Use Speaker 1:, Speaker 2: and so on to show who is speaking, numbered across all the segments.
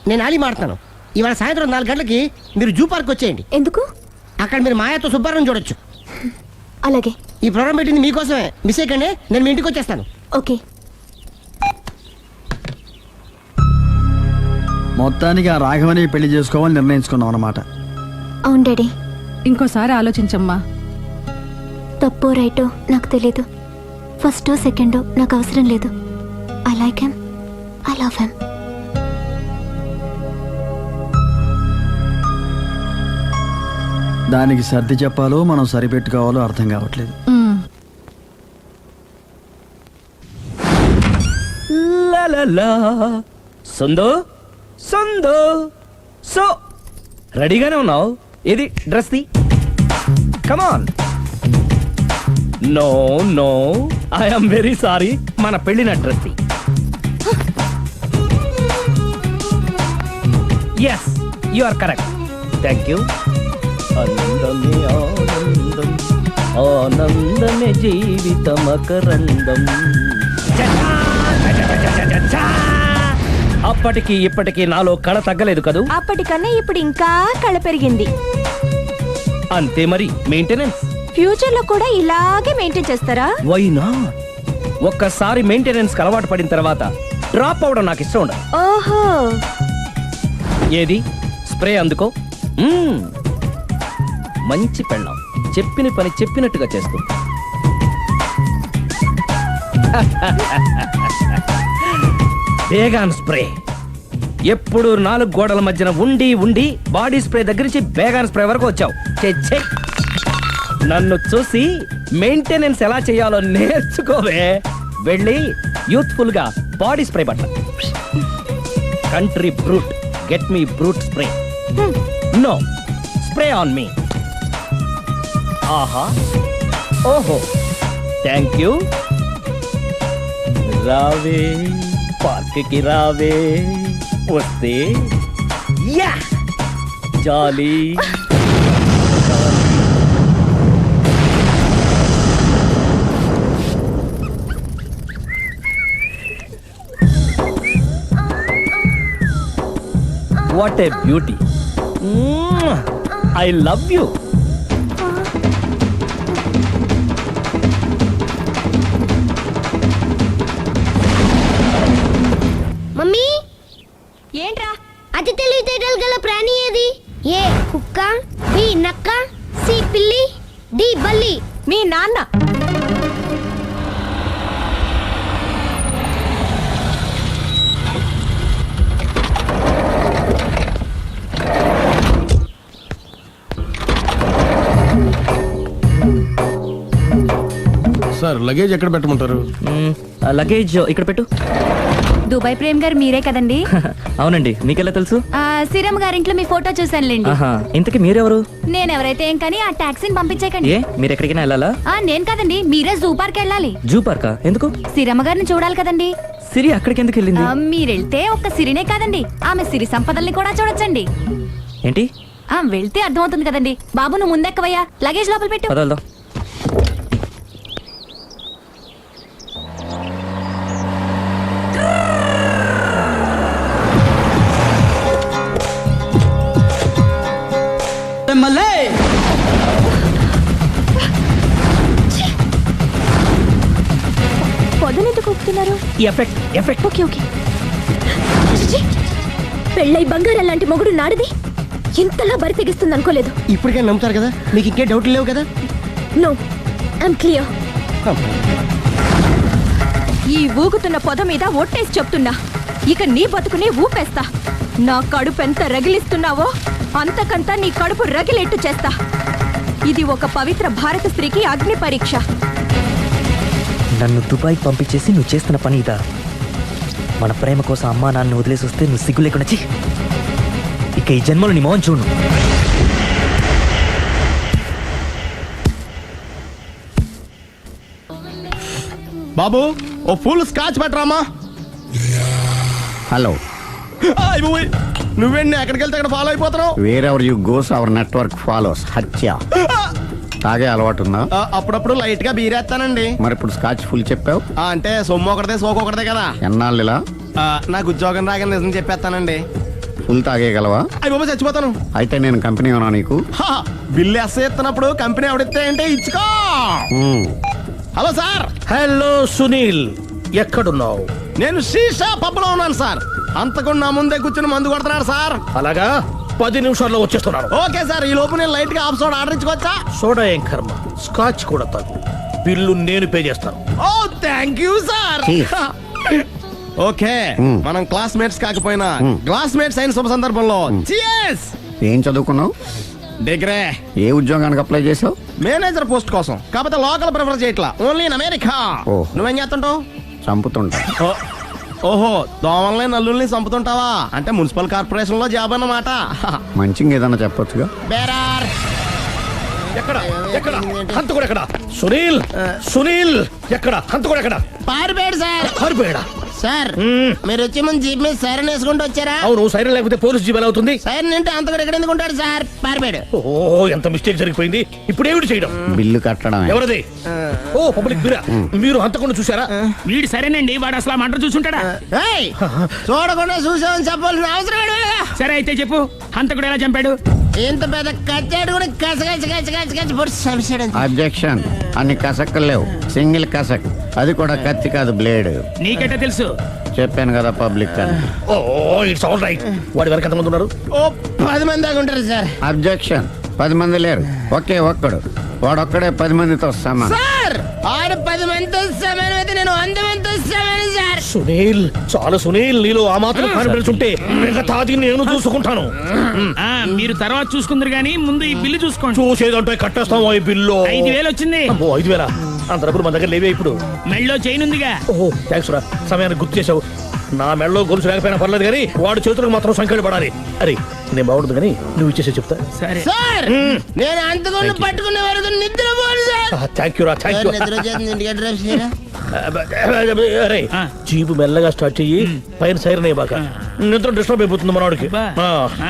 Speaker 1: నేను ఆలి మాడతాను. ఇవాళ సాయంత్రం 4 గంటలకి మీరు జూ పార్క్ వచ్చేయండి.
Speaker 2: ఎందుకు?
Speaker 1: అక్కడ మీరు మాయాతో సుబ్బారావు చూడొచ్చు.
Speaker 2: అలాగే.
Speaker 1: ఈ ప్రోగ్రామ్ పెట్టింది మీకోసమే. మిస్ అయ్యకండి, నేను మీ ఇంటికి వచ్చేస్తాను.
Speaker 2: ఓకే.
Speaker 3: మొత్తానికి ఆ రాఘవని పెళ్లి చేసుకోవాలని నిర్ణయించుకున్నాం అన్నమాట.
Speaker 2: అవును డాడీ.
Speaker 4: ఇంకోసారి ఆలోచించమ్మా.
Speaker 2: తప్పో రైటో నాకు తెలీదు. ఫస్టో సెకండో నాకు అవసరం లేదు. I like him, I love him.
Speaker 3: దానికి సర్ది చెప్పాలో మనం సరిపెట్టుకోవాలో అర్థం కావట్లేదు.
Speaker 5: సందో సందో సో రెడీగానే ఉన్నావు? ఇది డ్రెస్ ది. Come on. No no, I'm very sorry. మన పెళ్ళిన డ్రెస్ ది. Yes, you are correct. Thank you. ఆనందమే ఆనందం, ఆనందమే జీవితమకరందం. అప్పటికి ఇప్పటికి నాలో కళ తగ్గలేదు కదూ?
Speaker 2: అప్పటికన్నా ఇప్పుడు ఇంకా కళ పెరిగింది.
Speaker 5: అంతే మరి. మెయింటెనెన్స్
Speaker 2: ఫ్యూచర్ లో కూడా ఇలాగే మెయింటైన్ చేస్తారా?
Speaker 5: Why not? ఒక్కసారి మెయింటెనెన్స్ కి అలవాటు పడిన తర్వాత డ్రాప్ అవడం నాకు ఇష్టం ఉండదు.
Speaker 2: ఓహో.
Speaker 5: ఏది స్ప్రే అందుకో. మంచి పెళ్ళాం, చెప్పిన పని చెప్పినట్టుగా చేస్తూ. బేగాన్ స్ప్రే ఎప్పుడు 4 గోడల మధ్యన ఉండి ఉండి బాడీ స్ప్రే దగ్గర నుంచి బేగాన్ స్ప్రే వరకు వచ్చావు. చెచ్చే, నన్ను చూసి మెయింటెనెన్స్ ఎలా చేయాలో నేర్చుకోవే. వెళ్ళి యూత్ఫుల్ గా బాడీ స్ప్రే బట్ట. Country Brut, get me Brut spray. No, spray on me. ఆహా, ఓహో, థ్యాంక్ యూ. రావే పార్క్ కి రావే, వస్తే యా jolly. What a beauty. I love you.
Speaker 6: Mummy,
Speaker 2: ఏంట్రా?
Speaker 6: అతి తెలివితేటలు గల ప్రాణి ఏది? ఏ కుక్క, బి నక్క, సి పిల్లి, డి బల్లి.
Speaker 2: మీ నాన్న.
Speaker 7: సార్, లగేజ్ ఎక్కడ పెట్టమంటారు?
Speaker 5: లగేజ్ ఇక్కడ పెట్టు.
Speaker 2: దుబాయ్ ప్రేమ్ గారు మీరే కదండి?
Speaker 5: అవునండి, మీకెలా తెలుసు?
Speaker 2: శ్రీరామ్ గారింట్లో మీ ఫోటో చూసానులేండి.
Speaker 5: ఇంతకీ మీరెవరు?
Speaker 2: నేనెవరైతే ఏం కానీ ఆ టాక్సీని పంపించకండి.
Speaker 5: ఏ, మీరు ఎక్కడికైనా వెళ్ళాలా?
Speaker 2: నేను కదండి, మీరే జూ పార్క్ వెళ్ళాలి.
Speaker 5: జూ పార్కా? ఎందుకు?
Speaker 2: శ్రీరమ్మ గారిని చూడాలి కదండి.
Speaker 5: సిరి అక్కడికి ఎందుకు వెళ్ళింది?
Speaker 2: మీరెళ్తే ఒక్క సిరినే కాదండి, ఆమె సిరి సంపదల్ని కూడా చూడొచ్చండి.
Speaker 5: ఏంటి?
Speaker 2: వెళ్తే అర్థమవుతుంది కదండి. బాబు, నువ్వు ముందెక్కవయ్యా, లగేజ్ లోపల పెట్టు.
Speaker 5: పదల్దా.
Speaker 2: పొద్దునెందుకు ఒప్పుతున్నారు?
Speaker 5: Effect effect.
Speaker 2: Okay okay. పెళ్ళై బంగారం లాంటి మొగుడు నాడిది ఇంతలా బరి తెగిస్తుంది అనుకోలేదు.
Speaker 1: ఇప్పటికే నమ్ముతారు కదా, మీకు ఇంకే డౌట్లు లేవు కదా?
Speaker 2: No, I'm clear. ఈ ఊగుతున్న పొద మీద ఒట్టేసి చెప్తున్నా, ఇక నీ బతుకునే ఊపేస్తా. నా కడుపు ఎంత రగిలిస్తున్నావో అంతకంతా నీ కడుపు రగిలేట్టు చేస్తా. ఇది ఒక పవిత్ర భారత స్త్రీకి అగ్ని పరీక్ష.
Speaker 5: నన్ను దుబాయ్ పంపించేసి నువ్వు చేస్తున్న పని ఇదా? మన ప్రేమ కోసం అమ్మా నాన్న వదిలేసి వస్తే నువ్వు సిగ్గు లేకుండా చి. ఇక ఈ జన్మలో నీ మోహన్ చూడు.
Speaker 7: బాబు, ఓ ఫుల్ స్కాచ్ పెట్టరామా.
Speaker 8: హలో.
Speaker 7: నువ్వేంటి ఎక్కడికి వెళ్తే అక్కడ ఫాలో అయిపోతున్నావు?
Speaker 8: Wherever you goes our network follows. హత్య. తాగే అలవాటు ఉందా?
Speaker 7: అప్పుడప్పుడు లైట్ గా బీరేస్తానండి.
Speaker 8: మరి ఇప్పుడు స్కాచ్ ఫుల్ చెప్పావు
Speaker 7: అంటే సొమ్ము ఒకటిదే సోకు ఒకటిదే కదా.
Speaker 8: ఎన్నాళ్ళు ఇలా?
Speaker 7: నాకు ఉద్యోగం రాగానే నిజం చెప్పేస్తానండి.
Speaker 8: ఫుల్ తాగేయగలవా?
Speaker 7: అయ్యి బాబా చచ్చిపోతాను.
Speaker 8: అయితే నేను కంపెనీ ఉన్నా నీకు.
Speaker 7: హా, బిల్లు ఎస్ ఎత్తినప్పుడు కంపెనీ ఎవడితే అంటే ఇచ్చుకో.
Speaker 8: మ్మ్.
Speaker 7: హలో సార్,
Speaker 5: హలో సునీల్, ఎక్కడున్నావు?
Speaker 7: నేను శీషా పబ్లో ఉన్నాను సార్. అంతకుండా నా ముందే కూర్చుని మందు కొడుతున్నాడు సార్.
Speaker 5: అలాగా, 10 నిమిషాల్లో వచ్చేస్తున్నాను.
Speaker 7: ఓకే సార్, ఈ లోపు నేను లైట్ గా హాఫ్ సోడా ఆర్డర్ ఇచ్చుకోవచ్చా?
Speaker 5: సోడా ఏం కర్మ, స్కాచ్ కూడా తాగు. బిల్లు నేను పే చేస్తాను.
Speaker 7: Oh thank you sir.
Speaker 8: Cheers.
Speaker 7: Okay, మనం క్లాస్మేట్స్ కాకపోయినా క్లాస్మేట్స్ అయిన శుభ సందర్భంలో cheers.
Speaker 8: ఏం చదువుకున్నావు?
Speaker 7: డిగ్రీ.
Speaker 8: ఏ ఉద్యోగానికి అప్లై చేసావు?
Speaker 7: మేనేజర్ పోస్ట్ కోసం, కాకపోతే లోకల్ ప్రిఫర్ చేయట్లా, ఓన్లీ ఇన్ అమెరికా.
Speaker 8: ఓ.
Speaker 7: నువ్వేం చేస్తుంటావు?
Speaker 8: చంపుతుంటా.
Speaker 7: ఓహో, దోమల్ని నల్లుల్ని చంపుతుంటావా? అంటే మున్సిపల్ కార్పొరేషన్ లో జాబ్ అన్నమాట.
Speaker 8: మంచిగా ఏదన్నా చెప్పొచ్చుగా.
Speaker 7: బేరార్.
Speaker 5: ఎక్కడ ఎక్కడ హంతకుడు ఎక్కడ? సునీల్, సునీల్ ఎక్కడ? హంతకుడు ఎక్కడ?
Speaker 7: పారిపోయాడు సార్.
Speaker 5: పారిపోయాడా?
Speaker 7: సార్ మీరు వచ్చే ముందు జీప్ మీద సైరన్ వేసుకుంటూ వచ్చారా?
Speaker 5: అవును, సైరన్ లేకపోతే పోలీస్ జీబ్ ఎలా అవుతుంది?
Speaker 7: సైరన్ అంటే అంతకుడు ఎక్కడ ఎందుకు ఉంటాడు సార్? పారిపోయాడు.
Speaker 5: ఓ, ఎంత మిస్టేక్ జరిగిపోయింది. ఇప్పుడు ఏమిటి చేయడం?
Speaker 8: బిల్లు కట్టడమే.
Speaker 5: ఎవరిది? ఓ, పబ్లిక్ మీరా? మీరు హంతకుండా చూసారా?
Speaker 9: వీడు సరేనండి, వాడు అసలు ఆ మంట చూసుంటాడా?
Speaker 7: ఏయ్, చూడకుండా చూసామని చెప్పాల్సిన అవసరం ఏంటి?
Speaker 9: సరే అయితే చెప్పు, హంతకుడు ఎలా చంపాడు?
Speaker 7: ఇంత పెద్ద కచ్చాడు కూడా కచ్చ పొడి సమస్య.
Speaker 8: అబ్జెక్షన్. అన్ని కసక్కులు లేవు, సింగిల్ కసక్. అది కూడా కత్తి కాదు, బ్లేడ్.
Speaker 9: నీకెట్టా తెలుసు?
Speaker 8: చెప్పాను కదా పబ్లిక్ అని.
Speaker 5: Oh, it's all right. వాడి వరకు ఎంతమంది ఉన్నారు?
Speaker 7: ఓ 10 మంది దాకా ఉంటారు సార్.
Speaker 8: అబ్జెక్షన్. 10 మంది లేరు, ఒకే ఒక్కడు. వాడొక్కడే 10 మందితో సమానం.
Speaker 7: సార్ ఆడు 10 మందితో సమానం అయితే నేను 100 మందితో సమానం సార్.
Speaker 5: సునీల్, చాలా సునీల్, నీలో ఆ మాత్రం కాన్ఫిడెన్స్ ఉంటే మిగతాది నేను చూసుకుంటాను.
Speaker 9: ఆ, మీరు తర్వాత చూసుకుందరు గానీ ముందు ఈ బిల్లు చూసుకోండి.
Speaker 5: చూసేదంటే కట్టేస్తాము ఈ బిల్లు.
Speaker 9: 5,000 వచ్చింది.
Speaker 5: అమ్మో, 5,000? అంత డబ్బులు మన దగ్గర లేవే ఇప్పుడు.
Speaker 9: మెళ్ళో చైన్ ఉందిగా.
Speaker 5: ఓహో, థ్యాంక్స్ రా, సమయానికి గుర్తు చేసావు. నా మెడలో గొలుసు లేకపోయినా పర్లేదు కానీ వాడు చేతులకు మాత్రం సంఖ్యలు పడాలి. అరే, నేను బాగుండదు కానీ నువ్వు ఇచ్చేసే చెప్తా.
Speaker 9: సరే
Speaker 7: సార్ నేను అంతకుండా పట్టుకునే వరకు నిద్రపోను సార్.
Speaker 5: థ్యాంక్ యూ రా, థ్యాంక్ యూ.
Speaker 7: నిద్ర వచ్చేస్తుంది, ఇంటికి డ్రైవ్ చేయరా?
Speaker 5: అరే,
Speaker 9: ఆ.
Speaker 5: జీపు మెల్లగా స్టార్ట్ చెయ్యి, పైన సైరన్ అయ్యి బాగా. నిద్ర డిస్టర్బ్ అయిపోతుంది మనవాడికి.
Speaker 9: బా.
Speaker 5: ఆ.
Speaker 9: ఆ,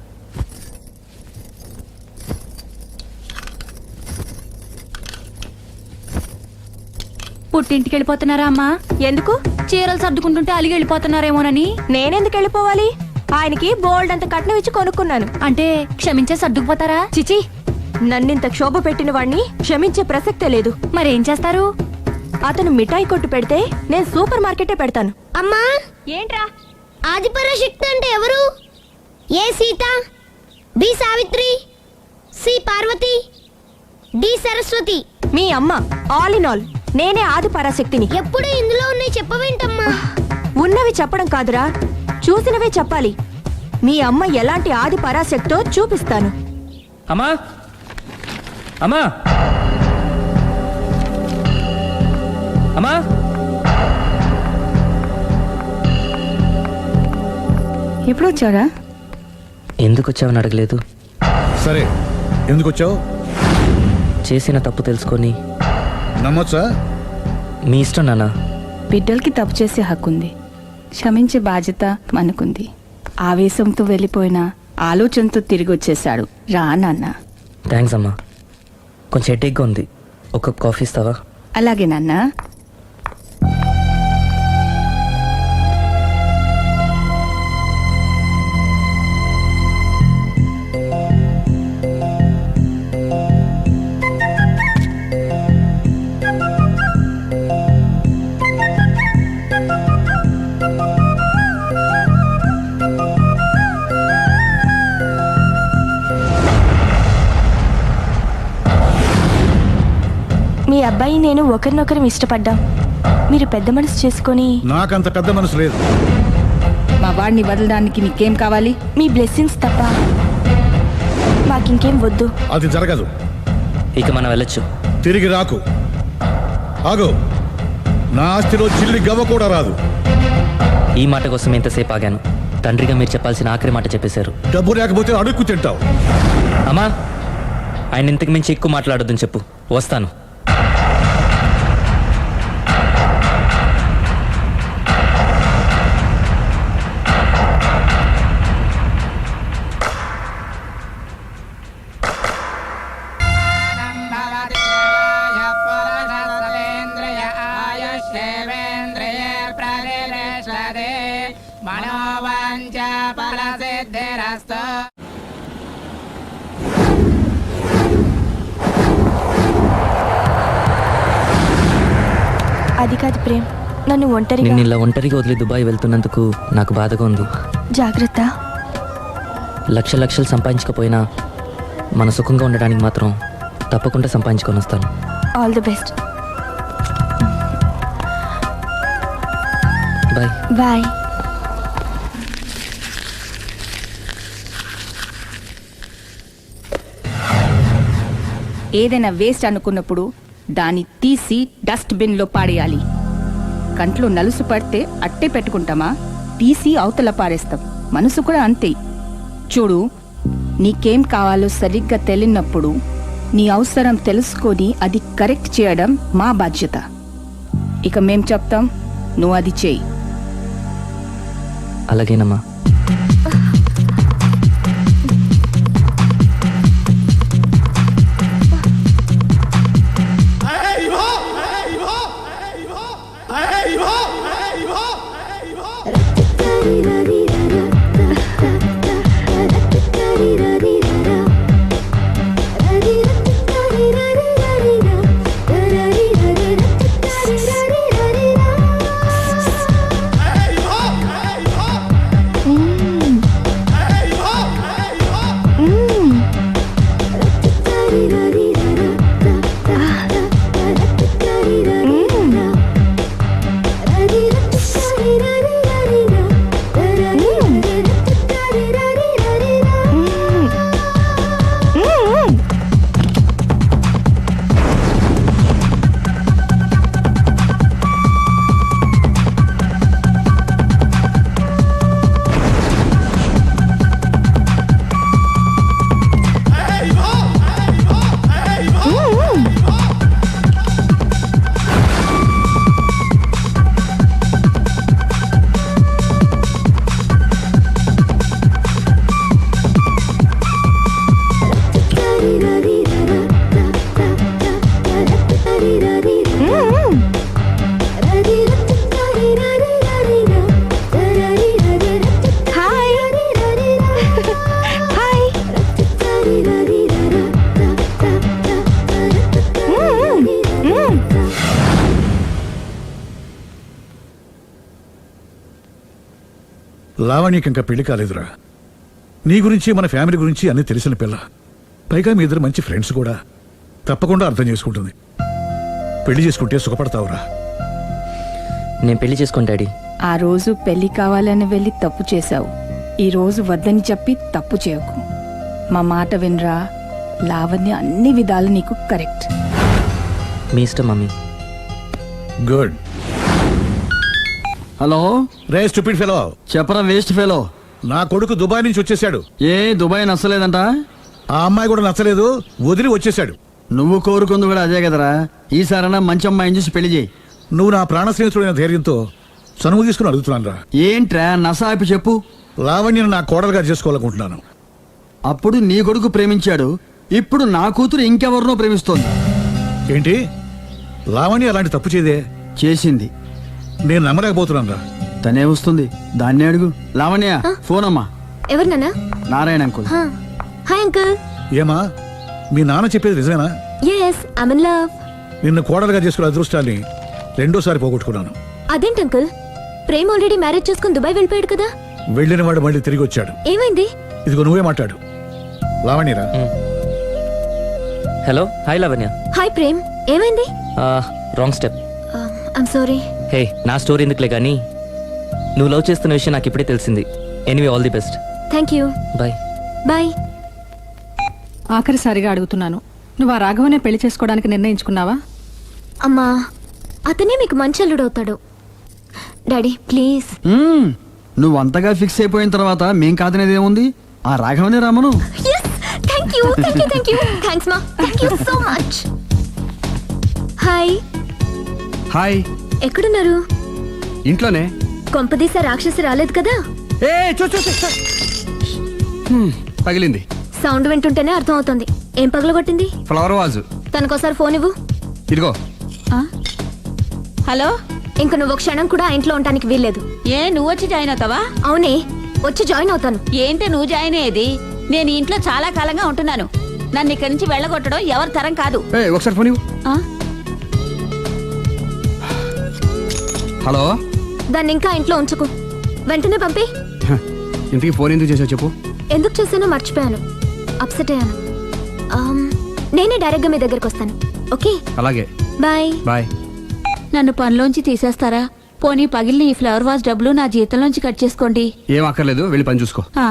Speaker 2: పుట్టింటికి వెళ్ళిపోతున్నారా అమ్మా? ఎందుకు? చీరలు సర్దుకుంటుంటే అలిగి వెళ్ళిపోతున్నారేమోనని. నేనెందుకు వెళ్ళిపోవాలి? ఆయనకి బోల్డ్ అంత కట్నం ఇచ్చి కొనుక్కున్నాను. అంటే క్షమించే సర్దుకుపోతారా? చిచి, నన్నింత క్షోభ పెట్టిన వాణ్ణి క్షమించే ప్రసక్తే లేదు. మరేం చేస్తారు? అతను మిఠాయి కొట్టు పెడితే నేను సూపర్ మార్కెటే పెడతాను.
Speaker 6: అమ్మా,
Speaker 2: ఏంట్రా?
Speaker 6: ఆదిపరాశక్తి అంటే ఎవరు? A Sita, B Savitri, C Parvati, D Saraswati.
Speaker 2: మీ అమ్మ. ఆల్ ఇన్ ఆల్ నేనే ఆది పరాశక్తిని.
Speaker 6: ఎప్పుడు ఇందులో ఉన్నాయి చెప్పవేంటమ్మా?
Speaker 2: ఉన్నవి చెప్పడం కాదురా, చూసినవే చెప్పాలి. మీ అమ్మ ఎలాంటి ఆది పరాశక్తో చూపిస్తాను.
Speaker 5: అమ్మా, అమ్మా, అమ్మా.
Speaker 4: ఎప్పుడు వచ్చారా?
Speaker 10: ఎందుకు వచ్చావని అడగలేదు.
Speaker 11: సరే, ఎందుకు వచ్చావు?
Speaker 10: చేసిన తప్పు తెలుసుకొని.
Speaker 11: నమ్మొచ్చా?
Speaker 10: మీ ఇష్టం నాన్న.
Speaker 4: బిడ్డలకి తప్పు చేసే హక్కు ఉంది, క్షమించే బాధ్యత మనకుంది. ఆవేశంతో వెళ్ళిపోయిన ఆలోచనతో తిరిగి వచ్చేశాడు. రా నాన్న.
Speaker 10: థ్యాంక్స్ అమ్మా. కొంచెం హెడేక్గా ఉంది, ఒక కాఫీ ఇస్తావా?
Speaker 4: అలాగే నాన్న.
Speaker 2: మీ అబ్బాయి నేను ఒకరినొకరు ఇష్టపడ్డాం. మీరు పెద్ద మనసు చేసుకొని.
Speaker 11: నాకంత పెద్ద మనసు లేదు.
Speaker 4: మా వాడిని వదలడానికి నీకేం కావాలి?
Speaker 2: మీ బ్లెస్సింగ్స్ తప్ప మాకింకేం వద్దు.
Speaker 11: అది జరగదు.
Speaker 10: ఇక మనం వెళ్ళొచ్చు.
Speaker 11: తిరిగి రాకు. ఆగు. నా ఆస్తిలో చిల్లి గవ్వ కూడా రాదు.
Speaker 10: ఈ మాట కోసం ఎంతసేపు ఆగాను. తండ్రిగా మీరు చెప్పాల్సిన ఆఖరి మాట చెప్పేశారు.
Speaker 11: డబ్బు లేకపోతే అడుక్కు తింటావు.
Speaker 10: అమ్మా, ఆయన ఇంతకు మించి ఎక్కువ మాట్లాడొద్దని చెప్పు. వస్తాను.
Speaker 9: మనోవాంఛ ఫలసిద్ధిరస్తు.
Speaker 2: అది కాదు ప్రేమ్, నన్ను ఒంటరిగా
Speaker 10: నిన్ను ఇలా ఒంటరిగా వదిలి దుబాయ్ వెళ్తున్నందుకు నాకు బాధగా ఉంది.
Speaker 2: జాగ్రత్త.
Speaker 10: లక్షలు సంపాదించకపోయినా మన సుఖంగా ఉండడానికి మాత్రం తప్పకుండా సంపాదించుకొని వస్తాను.
Speaker 2: All the best.
Speaker 10: Bye.
Speaker 2: Bye.
Speaker 4: ఏదైనా వేస్ట్ అనుకున్నప్పుడు దాన్ని తీసి డస్ట్ బిన్లో పాడేయాలి. కంట్లో నలుసు పడితే అట్టే పెట్టుకుంటామా? తీసి అవతల పారేస్తాం. మనసు కూడా అంతే. చూడు, నీకేం కావాలో సరిగ్గా తెలియనప్పుడు నీ అవసరం తెలుసుకొని అది కరెక్ట్ చేయడం మా బాధ్యత. ఇక మేం చెప్తాం, నువ్వు అది చేయి.
Speaker 10: అలాగేనమ్మా.
Speaker 11: లావణ్యకి ఇంకా పెళ్లి కాలేదురా. నీ గురించి మన ఫ్యామిలీ గురించి అన్ని తెలిసిన పిల్ల. పైగా మీ ఇద్దరు మంచి ఫ్రెండ్స్ కూడా. తప్పకుండా అర్థం చేసుకుంటుంది. పెళ్లి చేసుకుంటే సుఖపడతావురా.
Speaker 10: నేను పెళ్లి చేసుకోను డాడీ.
Speaker 4: ఆ రోజు పెళ్లి కావాలని వెళ్ళి తప్పు చేశావు. ఈ రోజు వద్దని చెప్పి తప్పు చేయకు. మా మాట వినరా. లావణ్య అన్ని విధాలు నీకు కరెక్ట్.
Speaker 10: మీ ఇష్టం మమ్మీ.
Speaker 11: గుడ్.
Speaker 3: హలో,
Speaker 11: రే స్టూపిడ్ ఫెలో,
Speaker 3: చెప్పరా వేస్ట్ ఫెలో.
Speaker 11: నా కొడుకు దుబాయ్ నుంచి వచ్చేసాడు.
Speaker 3: ఏ దుబాయ్ నచ్చలేదంట?
Speaker 11: ఆ అమ్మాయి కూడా నచ్చలేదు, వదిలి వచ్చేసాడు.
Speaker 3: నువ్వు కోరుకుంది కూడా అదే కదరా. ఈసారైనా మంచి అమ్మాయిని చూసి పెళ్లి చేయి.
Speaker 11: నువ్వు నా ప్రాణ స్నేహితుడైన ధైర్యంతో చనువు తీసుకుని అడుగుతున్నాను రా.
Speaker 3: ఏంట్రా నసాపి చెప్పు.
Speaker 11: లావణ్యను నా కోడలుగా చేసుకోవాలనుకుంటున్నాను.
Speaker 3: అప్పుడు నీ కొడుకు ప్రేమించాడు, ఇప్పుడు నా కూతురు ఇంకెవరినో ప్రేమిస్తోంది.
Speaker 11: ఏంటి? లావణ్య అలాంటి తప్పు చేయదే.
Speaker 3: చేసింది.
Speaker 11: నేను నమ్మలేకపోతున్నాను రా.
Speaker 3: తనే వస్తుంది, దాన్నే అడుగు. లావణ్య, ఫోన్ అమ్మా.
Speaker 6: ఎవరు నాన్న?
Speaker 3: నారాయణ అంకుల్.
Speaker 6: Hi uncle.
Speaker 11: ఏమా, మీ నాన్న చెప్పేది నిజమేనా?
Speaker 6: yes I'm in love.
Speaker 11: నిన్ను కోడలుగా చేసుకునే అదృష్టాన్ని రెండోసారి పోగొట్టుకున్నాను.
Speaker 6: అదేంటి అంకుల్, ప్రేమ్ ఆల్రెడీ మ్యారేజ్ చేసుకుని దుబాయ్ వెళ్ళిపోయాడు కదా.
Speaker 11: వెళ్ళిన వాడు మళ్ళీ తిరిగి వచ్చాడు.
Speaker 6: ఏమైంది?
Speaker 11: ఇదిగో నువ్వే మాట్లాడు. లావణ్యరా.
Speaker 10: Hello. Hi Lavanya.
Speaker 6: Hi Prem, ఏమైంది?
Speaker 10: Wrong step.
Speaker 6: I'm sorry.
Speaker 10: Hey, నా స్టోరీ ఎందుకులే కానీ నువ్వు లవ్ చేస్తున్న విషయం నాకు ఇప్పుడే తెలిసింది. Anyway, all the best.
Speaker 6: Thank you.
Speaker 10: Bye.
Speaker 6: Bye.
Speaker 4: ఆఖరిసారిగా అడుగుతున్నాను, నువ్వు ఆ రాఘవనే పెళ్లి చేసుకోవడానికి నిర్ణయించుకున్నావా?
Speaker 6: అమ్మా, అతనే మీకు మంచి అల్లుడవుతాడు. Daddy please.
Speaker 3: నువ్వు అంతగా ఫిక్స్ అయిపోయిన తర్వాత మేం కాదనేది ఏముంది? ఆ రాఘవనే రామను.
Speaker 6: Thank you thank you thank you. Thanks మా, thank you so much. Hi.
Speaker 3: Hi.
Speaker 6: ఎక్కడున్నారు?
Speaker 3: ఇంట్లోనే.
Speaker 6: కొంపదీసా రాక్షసి రాలేదు కదా?
Speaker 3: ఏ చూ చూ చూ. పగిలింది.
Speaker 6: సౌండ్ వింటుంటేనే అర్థం అవుతుంది. ఏం పగలగొట్టింది?
Speaker 3: Flower vase.
Speaker 6: తనకోసారి ఫోన్ ఇవ్వు.
Speaker 3: ఇదిగో.
Speaker 2: హలో.
Speaker 6: ఇంక నువ్వు క్షణం కూడా ఆ ఇంట్లో ఉండడానికి వీల్లేదు.
Speaker 2: ఏ, నువ్వు వచ్చి జాయిన్ అవుతావా?
Speaker 6: అవునే,
Speaker 2: వచ్చి జాయిన్ అవుతాను.
Speaker 4: ఏంటి నువ్వు జాయిన్ అయ్యేది? నేను ఇంట్లో చాలా కాలంగా ఉంటున్నాను. నన్ను ఇక్కడి నుంచి వెళ్ళగొట్టడం ఎవరి తరం కాదు.
Speaker 3: ఒకసారి ఫోన్ ఇవ్వు.
Speaker 4: ఆ?
Speaker 3: హలో,
Speaker 2: దాన్ని ఇంకా ఇంట్లో ఉంచుకో, వెంటనే పంపి.
Speaker 3: ఇంటికి ఫోన్ ఎందుకు చేసావు చెప్పు.
Speaker 2: ఎందుకు చేశానో మర్చిపోయాను, అప్సెట్ అయ్యాను. నేనే డైరెక్ట్ గా మీ దగ్గరకు వస్తాను. ఓకే,
Speaker 3: అలాగే,
Speaker 2: బాయ్.
Speaker 3: బాయ్.
Speaker 4: నన్ను పనిలోంచి తీసేస్తారా? పోనీ పగిలిన ఈ ఫ్లవర్ వాజ్ డబ్బులు నా జీతంలోంచి కట్ చేసుకోండి.
Speaker 3: ఏం అక్కర్లేదు, వెళ్ళి పని చూసుకో.
Speaker 4: ఆ.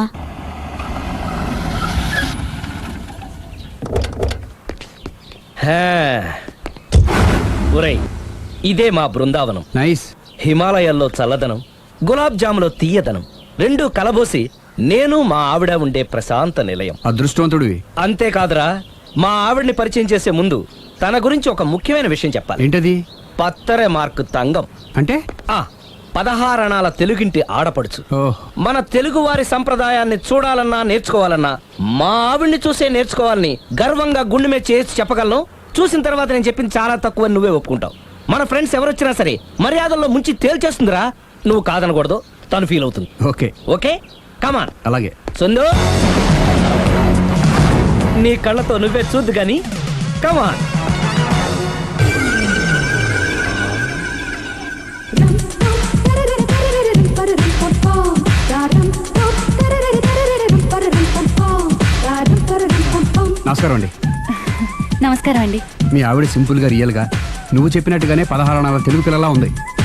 Speaker 5: ఒరేయ్, ఇదే మా బృందావనం.
Speaker 3: నైస్.
Speaker 5: హిమాలయాల్లో చల్లదనం, గులాబ్ జాములో తీయదనం రెండూ కలబోసి నేను మా ఆవిడ ఉండే ప్రశాంత నిలయం.
Speaker 3: అదృష్టవంతుడివి.
Speaker 5: అంతేకాదురా, మా ఆవిడ్ని పరిచయం చేసే ముందు తన గురించి ఒక ముఖ్యమైన విషయం చెప్పాలి.
Speaker 3: ఏంటది?
Speaker 5: పత్తరె మార్కు తంగం
Speaker 3: అంటే
Speaker 5: 16 అణాల తెలుగింటి ఆడపడుచు. మన తెలుగు వారి సంప్రదాయాన్ని చూడాలన్నా నేర్చుకోవాలన్నా మా ఆవిడ్ని చూసే నేర్చుకోవాలని గర్వంగా గుండె మీద చేసి చెప్పగలను. చూసిన తర్వాత నేను చెప్పింది చాలా తక్కువ, నువ్వే ఒప్పుకుంటావు. మన ఫ్రెండ్స్ ఎవరొచ్చినా సరే మర్యాదల్లో ముంచి తేల్చేస్తుందిరా. నువ్వు కాదనకూడదు, తను ఫీల్ అవుతుంది.
Speaker 3: Okay
Speaker 5: okay, come on.
Speaker 3: అలాగే.
Speaker 5: సుందు, నీ కళ్ళతో నువ్వే చూద్దు గాని కమాన్.
Speaker 3: నమస్కారం అండి.
Speaker 4: నమస్కారం అండి.
Speaker 3: మీ ఆవిడ సింపుల్ గా రియల్ గా నువ్వు చెప్పినట్టుగానే 16 అణాల తెలుగు పిల్లలా ఉంది.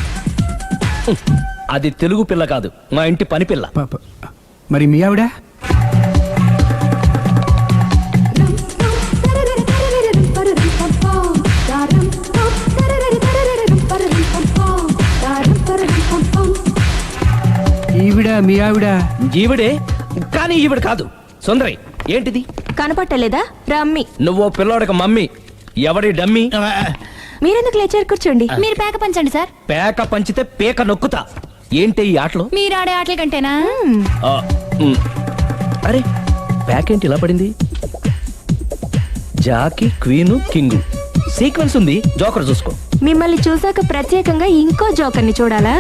Speaker 5: అది తెలుగు పిల్ల కాదు, మా ఇంటి పని పిల్ల.
Speaker 3: మరి మీ ఆవిడ? ఈవిడ మీ ఆవిడ?
Speaker 5: ఈవిడే, కానీ ఈవిడ కాదు. సుందరి, ఏంటిది
Speaker 2: కనపట్టలేదా? రమ్మి.
Speaker 5: నువ్వు పిల్లోడికి మమ్మీ, ఎవడి డమ్మీ?
Speaker 2: మీరెందుకు లేచారు? కూర్చోండి.
Speaker 4: మీరు పేక పంచండి సార్.
Speaker 5: పేక పంచితే పేక నొక్కుతా. ఏంటి ఈ ఆటలు?
Speaker 4: మీరు ఆడే ఆటల కంటేనా?
Speaker 5: అరే, పేక ఏంటి ఇలా పడింది? జాకి, క్వీను, కింగు సీక్వెన్స్ ఉంది. జోకర్ చూసుకో.
Speaker 2: మిమ్మల్ని చూసాక ప్రత్యేకంగా ఇంకో జోకర్ని చూడాలా?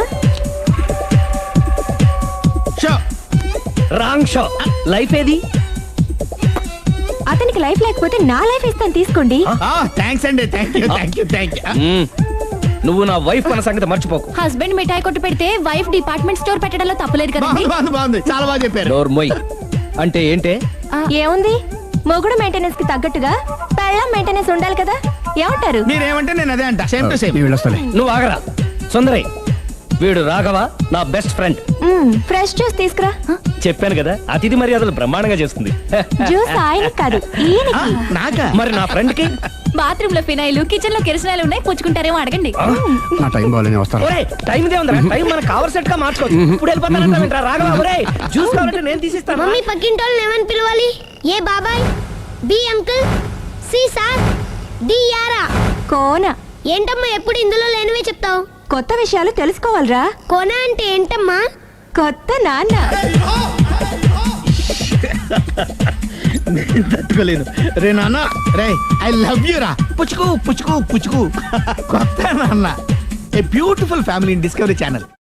Speaker 5: Wrong show. లైఫ్ ఏది?
Speaker 2: అతనికి లైఫ్ లేకపోతే నా లైఫ్ ఇస్తాను, తీసుకోండి.
Speaker 1: థ్యాంక్స్ అండి. Thank you.
Speaker 5: నువ్వు నా వైఫ్ అన్న సంగతి మర్చిపోకు.
Speaker 4: హస్బెండ్ మిఠాయి కొట్టు పెడితే వైఫ్ డిపార్ట్మెంట్ స్టోర్ పెట్టడంలో తప్పలేదు కదండి.
Speaker 1: బాగుంది, చాలా బాగా చెప్పారు.
Speaker 5: డోర్ మొయ్. అంటే ఏంటే?
Speaker 2: ఏముంది, మొగుడు మెయింటెనెన్స్ కి తగ్గట్టుగా పెళ్ళాం మెయింటెనెన్స్ ఉండాలి కదా. ఏమంటారు?
Speaker 1: మీరేమంటే నేను అదే అంట. Same to same.
Speaker 5: నువ్వు ఆగరా. సుందరి, వీడు రాఘవ, నా బెస్ట్ ఫ్రెండ్.
Speaker 2: ఫ్రెష్ జ్యూస్ తీసుకురా.
Speaker 5: చెప్పాను కదా, అతిథి మర్యాదలు బ్రహ్మాండంగా చేస్తుంది.
Speaker 2: జ్యూస్ ఆయనకి కాదు, ఈయనకి.
Speaker 5: నాకా? మరి నా ఫ్రెండ్ కి?
Speaker 4: బాత్రూమ్ లో ఫినాయిల్, కిచెన్ లో కిరసనాయిలు ఉన్నాయి, పుచ్చుకుంటారేమో అడగండి.
Speaker 3: నా టైం బాగాలేని వస్తాను.
Speaker 5: టైం ఇదే ఉందా? టైం మన కవర్ సెట్ గా మార్చుకోవచ్చు. ఇప్పుడు వెళ్ళిపోతానంటా రాఘవ. ఒరే, జ్యూస్ కావాలంటే నేను తీసిస్తాను.
Speaker 6: మమ్మీ పక్కింటోళ్ళని ఏమని పిలవాలి? ఏ బాబాయ్, B uncle, C sir, D యారా.
Speaker 2: కోన.
Speaker 6: ఏంటమ్మా ఎప్పుడు ఇందులో లేనివే చెప్తావు?
Speaker 2: కొత్త విషయాలు తెలుసుకోవాలరా.
Speaker 6: కోన అంటే ఏంటమ్మా?
Speaker 2: కొత్త నాన్న.
Speaker 1: తట్టుకోలేను రే నాన్న. రే, ఐ లవ్ యూ రా. పుచ్చుకు పుచ్చుకు పుచ్చుకు. కొత్త నాన్న. A beautiful family in Discovery channel.